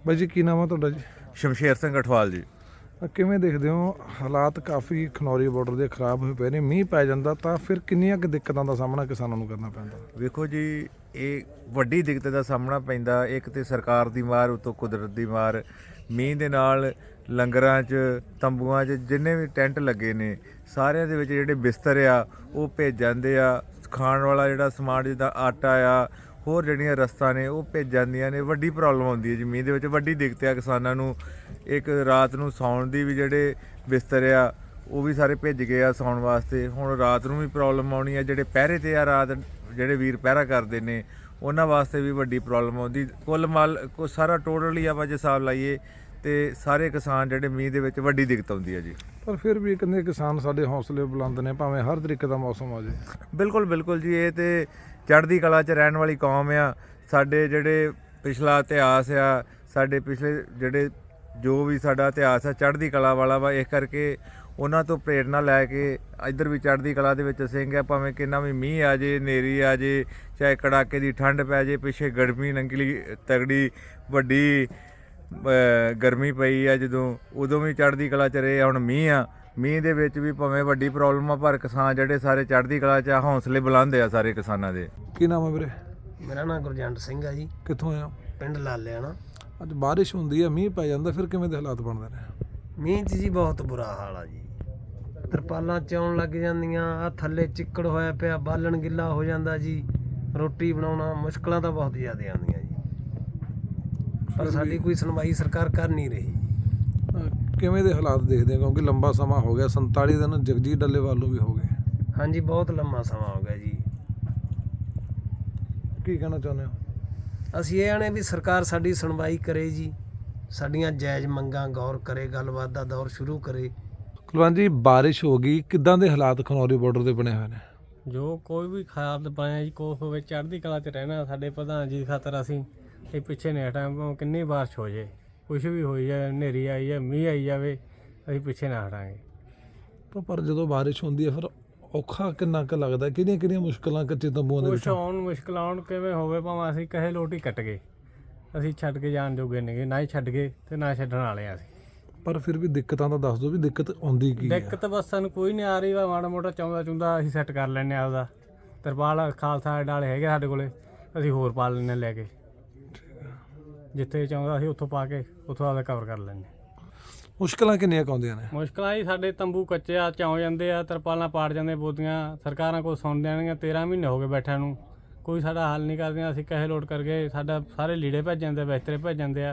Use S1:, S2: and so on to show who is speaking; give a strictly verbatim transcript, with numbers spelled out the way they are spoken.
S1: ਬਾਈ ਜੀ ਕੀ ਨਾਮ ਆ ਤੁਹਾਡਾ ਜੀ?
S2: ਸ਼ਮਸ਼ੇਰ ਸਿੰਘ ਅਠਵਾਲ ਜੀ।
S1: ਅ, ਕਿਵੇਂ ਦੇਖਦੇ ਹੋ ਹਾਲਾਤ ਕਾਫੀ ਖਨੌਰੀ ਬਾਰਡਰ ਦੇ ਖਰਾਬ ਹੋਏ ਪਏ ਨੇ, ਮੀਂਹ ਪੈ ਜਾਂਦਾ ਤਾਂ ਫਿਰ ਕਿੰਨੀਆਂ ਕੁ ਦਿੱਕਤਾਂ ਦਾ ਸਾਹਮਣਾ ਕਿਸਾਨਾਂ ਨੂੰ ਕਰਨਾ ਪੈਂਦਾ?
S2: ਵੇਖੋ ਜੀ, ਇਹ ਵੱਡੀ ਦਿੱਕਤ ਦਾ ਸਾਹਮਣਾ ਪੈਂਦਾ। ਇੱਕ ਤੇ ਸਰਕਾਰ ਦੀ ਮਾਰ, ਉਤੋਂ ਕੁਦਰਤ ਦੀ ਮਾਰ। ਮੀਂਹ ਦੇ ਨਾਲ ਲੰਗਰਾਂ 'ਚ, ਤੰਬੂਆਂ 'ਚ ਜਿੰਨੇ ਵੀ ਟੈਂਟ ਲੱਗੇ ਨੇ ਸਾਰਿਆਂ ਦੇ ਵਿੱਚ ਜਿਹੜੇ ਬਿਸਤਰ ਆ ਉਹ ਭੇਜ ਜਾਂਦੇ ਆ। ਖਾਣ ਵਾਲਾ ਜਿਹੜਾ ਸਮਾਨ ਜਿੱਦਾਂ ਆਟਾ ਆ, ਹੋਰ ਜਿਹੜੀਆਂ ਰਸਤਾਂ ਨੇ ਉਹ ਭੇਜ ਜਾਂਦੀਆਂ ਨੇ। ਵੱਡੀ ਪ੍ਰੋਬਲਮ ਆਉਂਦੀ ਹੈ ਜੀ ਮੀਂਹ ਦੇ ਵਿੱਚ, ਵੱਡੀ ਦਿੱਕਤ ਆ ਕਿਸਾਨਾਂ ਨੂੰ। ਇੱਕ ਰਾਤ ਨੂੰ ਸੌਣ ਦੀ ਵੀ ਜਿਹੜੇ ਬਿਸਤਰ ਆ ਉਹ ਵੀ ਸਾਰੇ ਭੇਜ ਗਏ ਆ ਸੌਣ ਵਾਸਤੇ। ਹੁਣ ਰਾਤ ਨੂੰ ਵੀ ਪ੍ਰੋਬਲਮ ਆਉਣੀ ਆ। ਜਿਹੜੇ ਪਹਿਰੇ 'ਤੇ ਆ ਰਾਤ, ਜਿਹੜੇ ਵੀਰ ਪਹਿਰਾ ਕਰਦੇ ਨੇ ਉਹਨਾਂ ਵਾਸਤੇ ਵੀ ਵੱਡੀ ਪ੍ਰੋਬਲਮ ਆਉਂਦੀ। ਕੁੱਲ ਮਾਲ ਕੋ ਸਾਰਾ ਟੋਟਲੀ ਆਪਾਂ ਜੇ ਹਿਸਾਬ ਲਾਈਏ ਤੇ ਸਾਰੇ ਕਿਸਾਨ ਜਿਹੜੇ ਮੀਂਹ ਦੇ ਵਿੱਚ ਵੱਡੀ ਦਿੱਕਤ ਆਉਂਦੀ ਹੈ ਜੀ।
S1: ਪਰ ਫਿਰ ਵੀ ਕਹਿੰਦੇ ਕਿਸਾਨ ਸਾਡੇ ਹੌਸਲੇ ਬੁਲੰਦ ਨੇ, ਭਾਵੇਂ ਹਰ ਤਰੀਕੇ ਦਾ ਮੌਸਮ ਆ ਜਾਏ।
S2: ਬਿਲਕੁਲ ਬਿਲਕੁਲ ਜੀ, ਇਹ ਤੇ ਚੜ੍ਹਦੀ ਕਲਾ 'ਚ ਰਹਿਣ ਵਾਲੀ ਕੌਮ ਆ। ਸਾਡੇ ਜਿਹੜੇ ਪਿਛਲਾ ਇਤਿਹਾਸ ਆ, ਸਾਡੇ ਪਿਛਲੇ ਜਿਹੜੇ ਜੋ ਵੀ ਸਾਡਾ ਇਤਿਹਾਸ ਆ ਚੜ੍ਹਦੀ ਕਲਾ ਵਾਲਾ ਵਾ। ਇਸ ਕਰਕੇ ਉਹਨਾਂ ਤੋਂ ਪ੍ਰੇਰਨਾ ਲੈ ਕੇ ਇੱਧਰ ਵੀ ਚੜ੍ਹਦੀ ਕਲਾ ਦੇ ਵਿੱਚ ਸਿੰਘ ਆ। ਭਾਵੇਂ ਕਿੰਨਾ ਵੀ ਮੀਂਹ ਆ ਜੇ, ਹਨੇਰੀ ਆ ਜੇ, ਚਾਹੇ ਕੜਾਕੇ ਦੀ ਠੰਡ ਪੈ ਜੇ, ਪਿੱਛੇ ਗਰਮੀ ਨੰਗਲੀ ਤਗੜੀ ਵੱਡੀ ਗਰਮੀ ਪਈ ਆ ਜਦੋਂ, ਉਦੋਂ ਵੀ ਚੜ੍ਹਦੀ ਕਲਾ 'ਚ ਰਹੇ। ਹੁਣ ਮੀਂਹ ਆ, ਮੀਂਹ ਦੇ ਵਿੱਚ ਵੀ ਭਾਵੇਂ ਵੱਡੀ ਪ੍ਰੋਬਲਮ ਆ ਪਰ ਕਿਸਾਨ ਜਿਹੜੇ ਸਾਰੇ ਚੜ੍ਹਦੀ ਕਲਾ 'ਚ ਆ, ਹੌਸਲੇ ਬੁਲੰਦ ਆ ਸਾਰੇ ਕਿਸਾਨਾਂ ਦੇ।
S1: ਕੀ ਨਾਮ ਹੈ ਵੀਰੇ?
S3: ਮੇਰਾ ਨਾਮ ਗੁਰਜੰਟ ਸਿੰਘ ਆ ਜੀ,
S1: ਕਿੱਥੋਂ ਆਏ ਹੋ?
S3: ਪਿੰਡ ਲਾਲਿਆਣਾ।
S1: ਅੱਜ ਬਾਰਿਸ਼ ਹੁੰਦੀ ਹੈ, ਮੀਂਹ ਪੈ ਜਾਂਦਾ, ਫਿਰ ਕਿਵੇਂ ਦੇ ਹਾਲਾਤ ਬਣਦੇ ਨੇ?
S3: ਮੀਂਹ 'ਚ ਜੀ ਬਹੁਤ ਬੁਰਾ ਹਾਲ ਆ ਜੀ। ਤਰਪਾਲਾਂ ਚੌਣ ਲੱਗ ਜਾਂਦੀਆਂ, ਆ ਥੱਲੇ ਚਿੱਕੜ ਹੋਇਆ ਪਿਆ, ਬਾਲਣ ਗਿੱਲਾ ਹੋ ਜਾਂਦਾ ਜੀ। ਰੋਟੀ ਬਣਾਉਣਾ ਮੁਸ਼ਕਲਾਂ ਤਾਂ ਬਹੁਤ ਜ਼ਿਆਦਾ ਆਉਂਦੀਆਂ ਜੀ, ਪਰ ਸਾਡੀ ਕੋਈ ਸੁਣਵਾਈ ਸਰਕਾਰ ਕਰ ਨਹੀਂ ਰਹੀ।
S1: ਅ, ਕਿਵੇਂ ਦੇ ਹਾਲਾਤ ਦੇਖਦੇ ਹੋ? ਕਿਉਂਕਿ ਲੰਬਾ ਸਮਾਂ ਹੋ ਗਿਆ, ਸੰਤਾਲੀ ਦਿਨ ਜਗਜੀਤ ਡੱਲੇਵਾਲ ਨੂੰ ਵੀ ਹੋ ਗਏ।
S3: ਹਾਂਜੀ, ਬਹੁਤ ਲੰਮਾ ਸਮਾਂ ਹੋ ਗਿਆ ਜੀ।
S1: ਕੀ ਕਹਿਣਾ ਚਾਹੁੰਦੇ ਹੋ?
S3: ਅਸੀਂ ਇਹ ਆਣੇ ਵੀ ਸਰਕਾਰ ਸਾਡੀ ਸੁਣਵਾਈ ਕਰੇ ਜੀ, ਸਾਡੀਆਂ ਜਾਇਜ਼ ਮੰਗਾਂ ਗੌਰ ਕਰੇ, ਗੱਲਬਾਤ ਦਾ ਦੌਰ ਸ਼ੁਰੂ ਕਰੇ।
S1: ਕੁਲਵੰਤ ਜੀ, ਬਾਰਿਸ਼ ਹੋ ਗਈ, ਕਿੱਦਾਂ ਦੇ ਹਾਲਾਤ ਖਨੌਰੀ ਬਾਰਡਰ ਦੇ ਬਣੇ ਹੋਏ ਨੇ?
S4: ਜੋ ਕੋਈ ਵੀ ਖਾਦ ਪਾਇਆ ਜੀ, ਕੋਹ ਹੋਵੇ ਚੜ੍ਹਦੀ ਕਲਾ 'ਚ ਰਹਿਣਾ। ਸਾਡੇ ਪ੍ਰਧਾਨ ਜੀ ਖਾਤਰ ਅਸੀਂ ਇਹ ਪਿੱਛੇ ਨਹੀਂ ਹਟਾਂਗੇ। ਕਿੰਨੀ ਬਾਰਿਸ਼ ਹੋ ਜਾਏ, ਕੁਛ ਵੀ ਹੋਈ ਜਾਏ, ਹਨੇਰੀ ਆਈ ਜਾਏ, ਮੀਂਹ ਆਈ ਜਾਵੇ, ਅਸੀਂ ਪਿੱਛੇ ਨਾ ਹਟਾਂਗੇ।
S1: ਪਰ ਪਰ ਜਦੋਂ ਬਾਰਿਸ਼ ਹੁੰਦੀ ਹੈ ਫਿਰ ਔਖਾ ਕਿੰਨਾ ਕੁ ਲੱਗਦਾ? ਕਿਹੜੀਆਂ ਕਿਹੜੀਆਂ ਮੁਸ਼ਕਲਾਂ ਕੱਚੇ ਤੰਬੂਆਂ ਦੇ
S4: ਕੁਛ
S1: ਵਿੱਚ?
S4: ਆਉਣ ਮੁਸ਼ਕਿਲ ਆਉਣ ਕਿਵੇਂ ਹੋਵੇ, ਭਾਵੇਂ ਅਸੀਂ ਕਹੇ ਲੋਟੀ ਕੱਟ ਗਏ, ਅਸੀਂ ਛੱਡ ਕੇ ਜਾਣ ਜੋਗੇ ਨੇਗੇ, ਨਾ ਹੀ ਛੱਡ ਗਏ ਤੇ ਨਾ ਛੱਡਣ ਵਾਲੇ ਆ ਅਸੀਂ।
S1: ਪਰ ਫਿਰ ਵੀ ਦਿੱਕਤਾਂ ਤਾਂ ਦੱਸ ਦਿਓ ਵੀ ਦਿੱਕਤ ਆਉਂਦੀ ਕੀ ਹੈ?
S4: ਦਿੱਕਤ ਬਸ ਸਾਨੂੰ ਕੋਈ ਨਹੀਂ ਆ ਰਹੀ ਵਾ। ਮਾੜਾ ਮੋਟਾ ਚਾਹੁੰਦਾ ਚੁੰਦਾ ਅਸੀਂ ਸੈੱਟ ਕਰ ਲੈਂਦੇ ਆ। ਆਪਦਾ ਤਰਪਾਲ ਖਾਲਸਾ ਡਾਲੇ ਹੈਗੇ ਸਾਡੇ ਕੋਲੇ, ਅਸੀਂ ਹੋਰ ਪਾ ਲੈਂਦੇ ਲੈ ਕੇ। ਜਿੱਥੇ ਚਾਹੁੰਦਾ ਅਸੀਂ ਉੱਥੋਂ ਪਾ ਕੇ ਉੱਥੋਂ ਆਪਦਾ ਕਵਰ ਕਰ ਲੈਂਦੇ।
S1: ਮੁਸ਼ਕਲਾਂ ਕਿੰਨੀਆਂ ਕੁ ਆਉਂਦੀਆਂ ਨੇ?
S4: ਮੁਸ਼ਕਲਾਂ ਹੀ ਸਾਡੇ ਤੰਬੂ ਕੱਚੇ ਆ, ਚਾਉ ਜਾਂਦੇ ਆ, ਤਰਪਾਲਾਂ ਪਾੜ ਜਾਂਦੇ, ਬੋਦੀਆਂ ਸਰਕਾਰਾਂ ਕੋਲ ਸੁਣ ਦੇਣਗੀਆਂ। ਤੇਰ੍ਹਾਂ ਮਹੀਨੇ ਹੋ ਗਏ ਬੈਠਿਆਂ ਨੂੰ, ਕੋਈ ਸਾਡਾ ਹੱਲ ਨਹੀਂ ਕਰਦੀਆਂ। ਅਸੀਂ ਕਹੇ ਲੋਟ ਕਰਕੇ ਸਾਡਾ ਸਾਰੇ ਲੀੜੇ ਭੇਜ ਜਾਂਦੇ, ਬਿਸਤਰੇ ਭੇਜ ਜਾਂਦੇ ਆ।